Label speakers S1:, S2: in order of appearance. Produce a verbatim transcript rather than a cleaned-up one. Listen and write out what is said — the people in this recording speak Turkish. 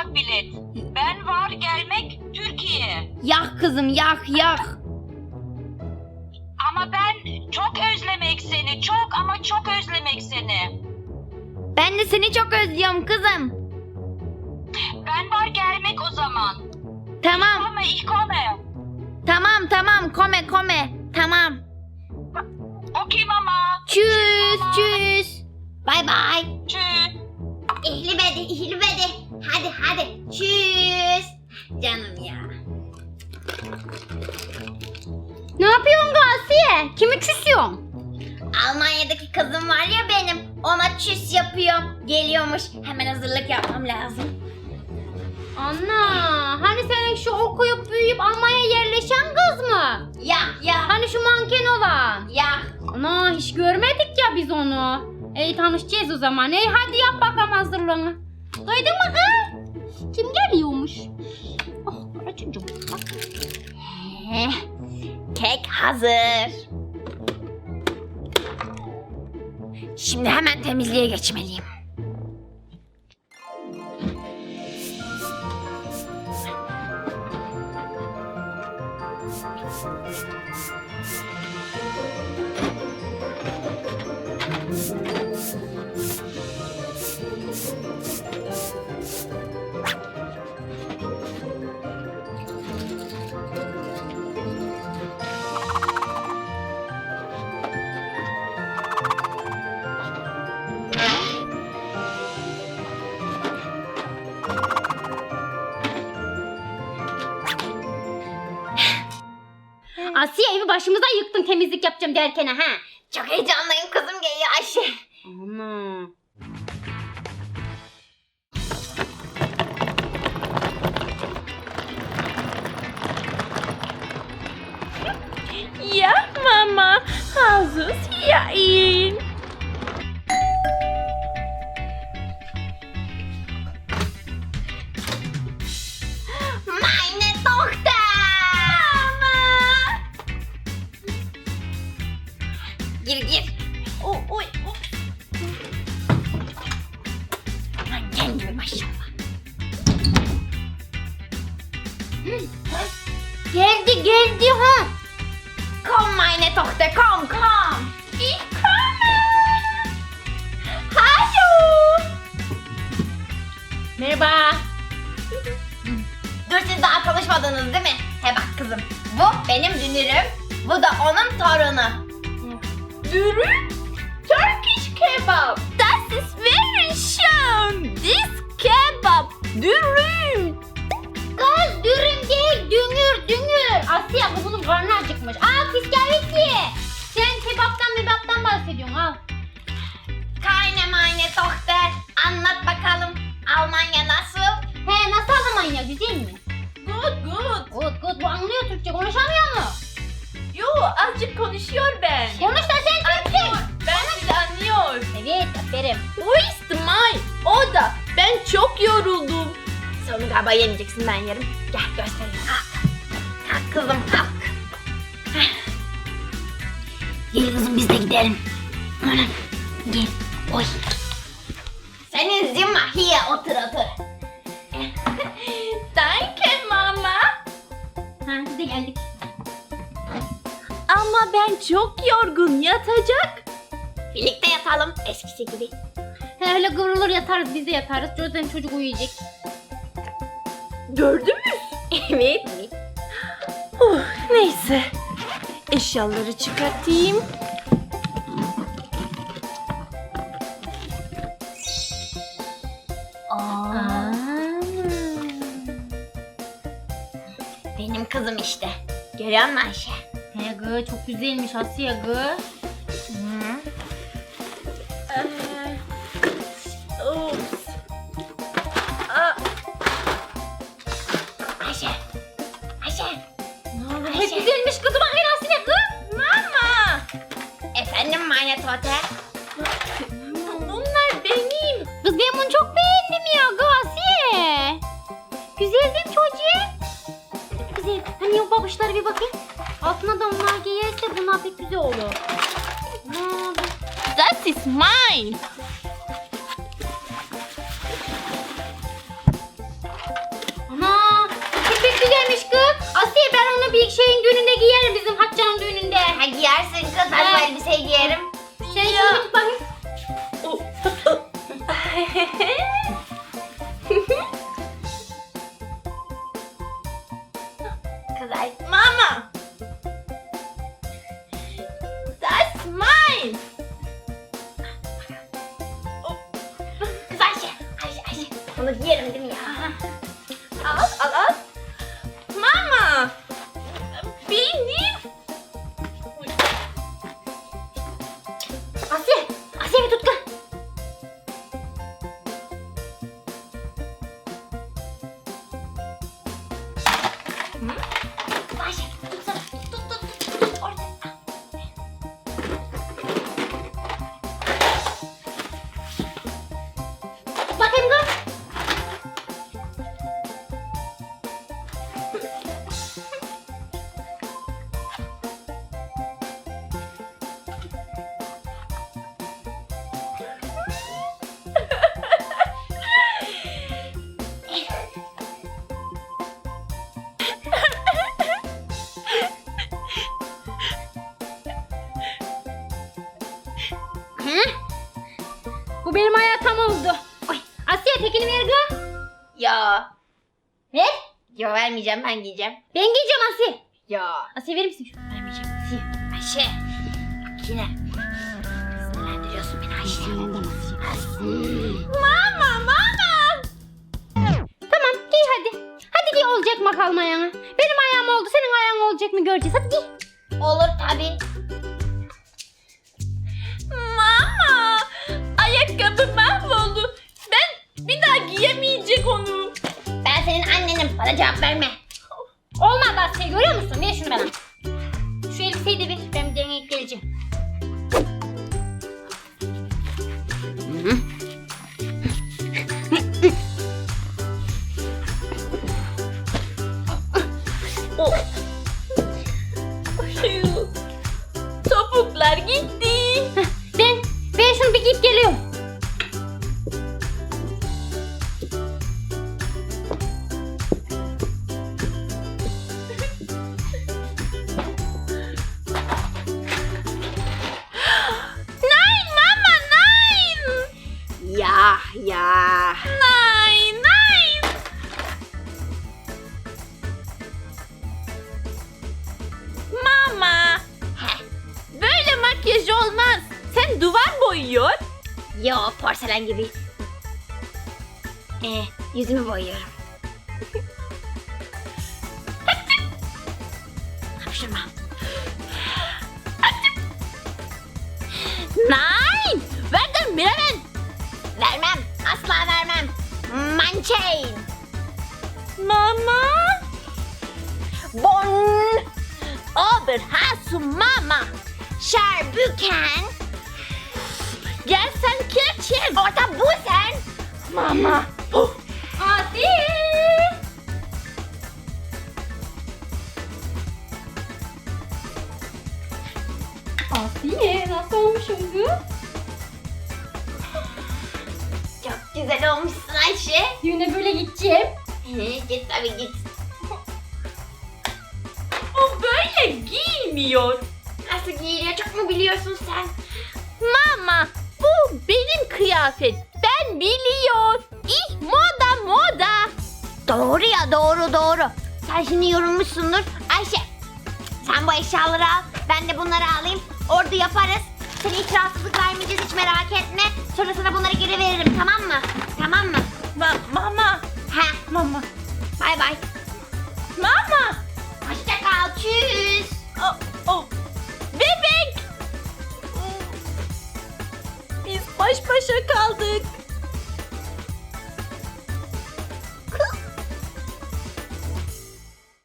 S1: uçak bilet. Ben var gelmek Türkiye.
S2: Yak kızım yak yak.
S1: Ama ben çok özlemek seni. Çok ama çok özlemek seni.
S2: Ben de seni çok özlüyorum kızım.
S1: Ben var gelmek o zaman.
S2: Tamam.
S1: Kome, ich komme.
S2: Tamam tamam kome kome. Tamam.
S1: Okay mama.
S2: Tschüss tschüss. Bay bay.
S1: Tschüss.
S2: İhli bedi ihli bedi. Hadi hadi. Tschüss. Canım ya. Ne yapıyorsun Gasiye? Kimi küsüyorsun? Almanya'daki kızım var ya benim. Ona çüs yapıyorum. Geliyormuş. Hemen hazırlık yapmam lazım.
S3: Anna, hani senin şu okuyup büyüyüp Almanya'ya yerleşen kız mı?
S2: Ya ya
S3: Hani şu manken olan?
S2: ya.
S3: Ana, hiç görmedik ya biz onu. Ey tanışacağız o zaman. Ey hadi yap bakalım hazırlığını. Duydun mu kız? Kim geliyormuş? Oh, para çocuğum. Bak.
S2: Heh, kek hazır. Şimdi hemen temizliğe geçmeliyim.
S3: Asiye, evi başımıza yıktın temizlik yapacağım derken ha.
S2: Çok heyecanlıyım kızım geliyor Ayşe.
S3: Ana.
S4: Ja, Mama, also hier ihn.
S2: Meine Tochter. Mama. Gir gir.
S4: Oh, oh, oh.
S2: Manken gibi maşallah.
S3: Geldi geldi ha.
S2: Komm meine Tochter, komm komm.
S4: Ich komme.
S2: Hallo.
S3: Merhaba.
S2: Dur siz daha konuşmadınız değil mi? He bak kızım. Bu benim dünürüm. Bu da onun torunu.
S4: Dürüm? Turkish kebab. Das ist very schön. This kebab. Dürüm.
S3: Kız dürüm değil düngür düngür. Asiye bu bunun karnı acıkmış. Al fiskavitli. Sen kebaptan mebaptan bahsediyorsun al.
S2: Keine meine Tochter. Anlat bakalım. Almanya nasıl?
S3: He nasıl Almanya güzel mi?
S4: Good, good.
S3: Good good bu anlıyor Türkçe konuşamıyor mu?
S4: Yo, azıcık konuşuyor ben.
S3: Konuş da sen Türkçe.
S4: Ben sizi anlıyor.
S3: Evet aferin.
S4: Wo ist mein? O da. Ben çok yoruldum. Sen onu galiba yemeyeceksin, ben yerim. Gel göstereyim.
S2: Kalk. Kalk kızım kalk. Gel kızım biz de gidelim. Gel. Oy. Senin zimma hiye otur otur.
S4: Danke Mama.
S3: Ha biz de geldik.
S4: Ama ben çok yorgun, yatacak.
S2: Birlikte yatalım eskisi gibi.
S3: He öyle kıvrılır yatarız biz de yatarız. Zaten çocuk uyuyacak.
S4: Gördün mü?
S2: Evet.
S4: Oh, neyse. Eşyaları çıkartayım.
S2: Aa, benim kızım işte. Görüyor musun Ayşe?
S3: He gı çok güzelmiş Asiye gı.
S4: Ee, Ups. Aa,
S2: Ayşe. Ayşe.
S3: Ne oldu?
S2: Ayşe.
S3: Hep güzelmiş kızım bakayım Asiye gı.
S4: Mama.
S2: Efendim meine Tochter.
S4: Bunlar benim.
S3: Kız ben bunu çok beğendim ya gı Asiye. Güzel değil mi çocuğum? Güzel. Hani o babuşlara bir bakayım. Altına da onlar giyerse bunlar pek güzel olur. Ne oldu?
S4: Das ist mein.
S2: Ha, giyersin kız. Ben bu elbiseyi giyerim.
S3: Sen şimdi git bakayım.
S2: Kız ay.
S4: Mama. That's mine.
S2: Kız Ayşe. Ayşe Ayşe. Bunu giyerim değil mi ya?
S4: Al al al. Mama. Benim.
S3: Asiye. Asiye bir tut kız.
S2: Kız Ayşe. Tutsana. Tut tut tut. Tut orada.
S3: Tut bakayım kız. Hı? Bu benim hayatım oldu. Oy. Asiye tekini ver kız.
S2: Ya.
S3: Ver.
S2: Yo vermeyeceğim, ben giyeceğim.
S3: Ben giyeceğim Asiye.
S2: Ya.
S3: Asiye verir misin? Şunu vermeyeceğim Asiye.
S2: Ayşe. Bak yine. Sinirlendiriyorsun beni Ayşe.
S3: Mama mama. Tamam giy hadi. Hadi giy olacak mı kalma ayağına. Benim ayağım oldu senin ayağın olacak mı göreceğiz. Hadi giy.
S2: Olur tabii.
S4: Mama. Ayakkabı mahvoldu. Ben bir daha giyemeyecek onu.
S2: Ben senin annenim. Bana cevap verme.
S3: Olmadı Asiye görüyor musun? Ver şunu bana. Şu elbiseyi de ver. Ben bir deneyip geleceğim.
S4: Oh. Şu topuklar gitti.
S3: Ben, ben şunu bir giyip geliyorum.
S4: Nein Mama nein.
S2: Ya ya.
S4: Nein nein. Mama.
S2: Heh.
S4: Böyle makyaj olmaz. Sen duvar boyuyor.
S2: Yo porselen gibi. Ee, yüzümü boyuyorum. Hapşırma.
S4: Nein. Verdim bilemem.
S2: Vermem. Asla vermem. Mançein.
S4: Mama.
S2: Bon.
S4: Aber hast du Mama.
S2: Şerbüken.
S4: Gel sen keçin.
S2: Orta bu sen.
S4: Mama.
S3: Asiye. Asiye nasıl olmuşum kız?
S2: Çok güzel olmuşsun Ayşe.
S3: Düğüne böyle gideceğim.
S2: Git tabii git.
S4: O böyle giymiyor.
S2: Nasıl giyiliyor çok mu biliyorsun sen?
S4: Mama, bu benim kıyafet. Ben biliyor. İh moda moda.
S2: Doğru ya doğru doğru. Sen şimdi yorulmuşsundur. Ayşe sen bu eşyaları al. Ben de bunları alayım. Orada yaparız. Seni hiç rahatsızlık vermeyeceğiz hiç merak etme. Sonra sana bunları geri veririm tamam mı? Tamam mı?
S4: Ma- mama,
S2: He
S4: mama,
S2: bay bay.
S4: mama.
S2: Hoşça kal. Tschüss.
S4: Oh, oh. Bebek. Biz baş başa kaldık.